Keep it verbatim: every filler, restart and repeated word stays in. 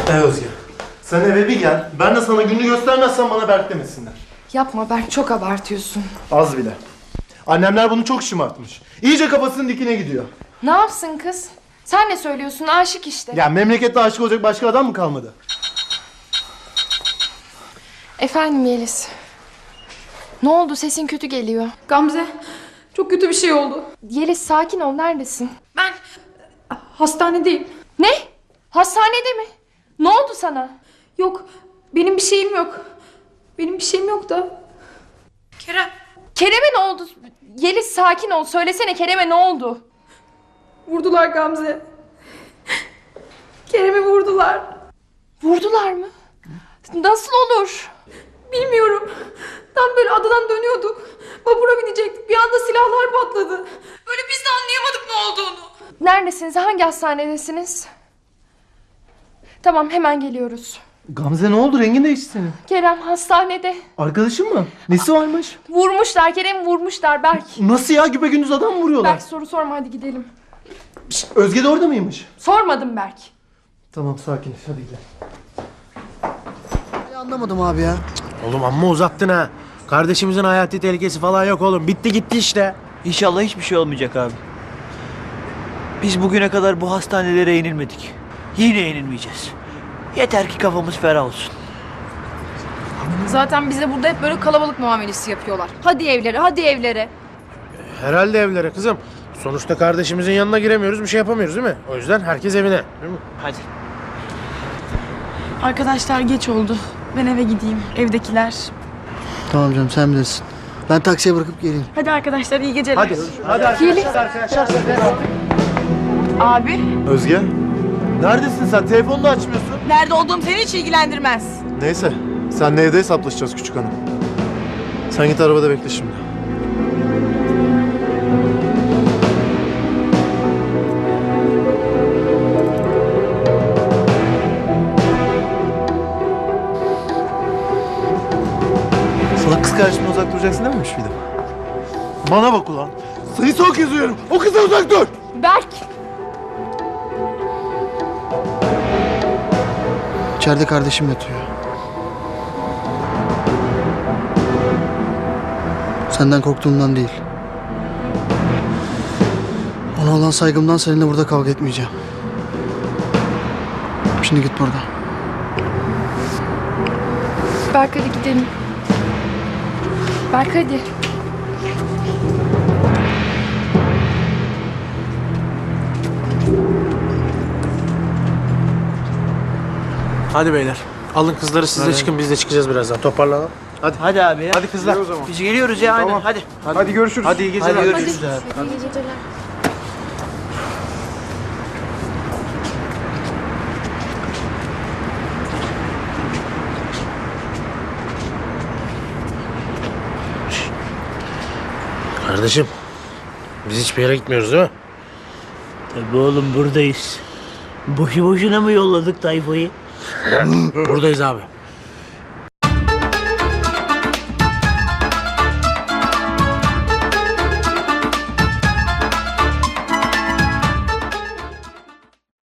E Özge, sen eve bir gel. Ben de sana gününü göstermezsem bana Berk demesinler. Yapma Berk, çok abartıyorsun. Az bile. Annemler bunu çok şımartmış. İyice kafasının dikine gidiyor. Ne yapsın kız? Sen ne söylüyorsun? Aşık işte. Ya memlekette aşık olacak başka adam mı kalmadı? Efendim Yeliz. Ne oldu? Sesin kötü geliyor. Gamze, çok kötü bir şey oldu. Yeliz sakin ol. Neredesin? Ben hastanedeyim. Ne? Hastanede mi? Ne oldu sana? Yok, benim bir şeyim yok. Benim bir şeyim yok da. Kerem. Kerem'e ne oldu? Yeliz sakin ol. Söylesene Kerem'e ne oldu? Vurdular Gamze. Kerem'i vurdular. Vurdular mı? Nasıl olur? Bilmiyorum. Tam böyle adadan dönüyorduk. Vapura binecektik. Bir anda silahlar patladı. Böyle biz de anlayamadık ne olduğunu. Neredesiniz? Hangi hastanedesiniz? Tamam, hemen geliyoruz. Gamze ne oldu? Rengin değişti senin. Kerem hastanede. Arkadaşın mı? Nesi varmış? Vurmuşlar. Kerem'i vurmuşlar Berk. Nasıl ya? Güpegündüz adam mı vuruyorlar? Berk soru sorma, hadi gidelim. Şşt, Özge de orada mıymış? Sormadım Berk. Tamam, sakiniz. Hadi gidelim. Anlamadım abi ya. Oğlum amma uzattın ha. Kardeşimizin hayati tehlikesi falan yok oğlum. Bitti gitti işte. İnşallah hiçbir şey olmayacak abi. Biz bugüne kadar bu hastanelere yenilmedik. Yine yenilmeyeceğiz. Yeter ki kafamız ferah olsun. Zaten bize burada hep böyle kalabalık muamelesi yapıyorlar. Hadi evlere, hadi evlere. Herhalde evlere kızım. Sonuçta kardeşimizin yanına giremiyoruz, bir şey yapamıyoruz değil mi? O yüzden herkes evine. Değil mi? Hadi. Arkadaşlar geç oldu. Ben eve gideyim. Evdekiler. Tamam canım, sen bilirsin. Ben taksiye bırakıp geleyim. Hadi arkadaşlar, iyi geceler. Hadi. Hadi arkadaşlar. arkadaşlar. Abi, Özge, neredesin sen? Telefonunu açmıyorsun. nerede olduğum seni hiç ilgilendirmez. Neyse, senle evde hesaplaşacağız küçük hanım. Sen git arabada bekle şimdi. Sana kız kardeşimden uzak duracaksın dememiş miydim? Bana bak ulan. Seni son kez uyarım. O kızdan uzak dur. Berk! İçeride kardeşim yatıyor. Senden korktuğumdan değil. Ona olan saygımdan seninle burada kavga etmeyeceğim. Şimdi git buradan. Berk hadi gidelim. Berk hadi. Hadi beyler. Alın kızları siz de çıkın, biz de çıkacağız birazdan. Toparlanalım. Hadi. Hadi abi ya. Hadi kızlar. Biz geliyoruz ya aynen. Hadi. Hadi görüşürüz. Hadi iyi geceler. Hadi görüşürüz abi. Kardeşim, biz hiçbir yere gitmiyoruz değil mi? Tabii oğlum buradayız. Boşu boşuna mı yolladık tayfayı? Buradayız abi.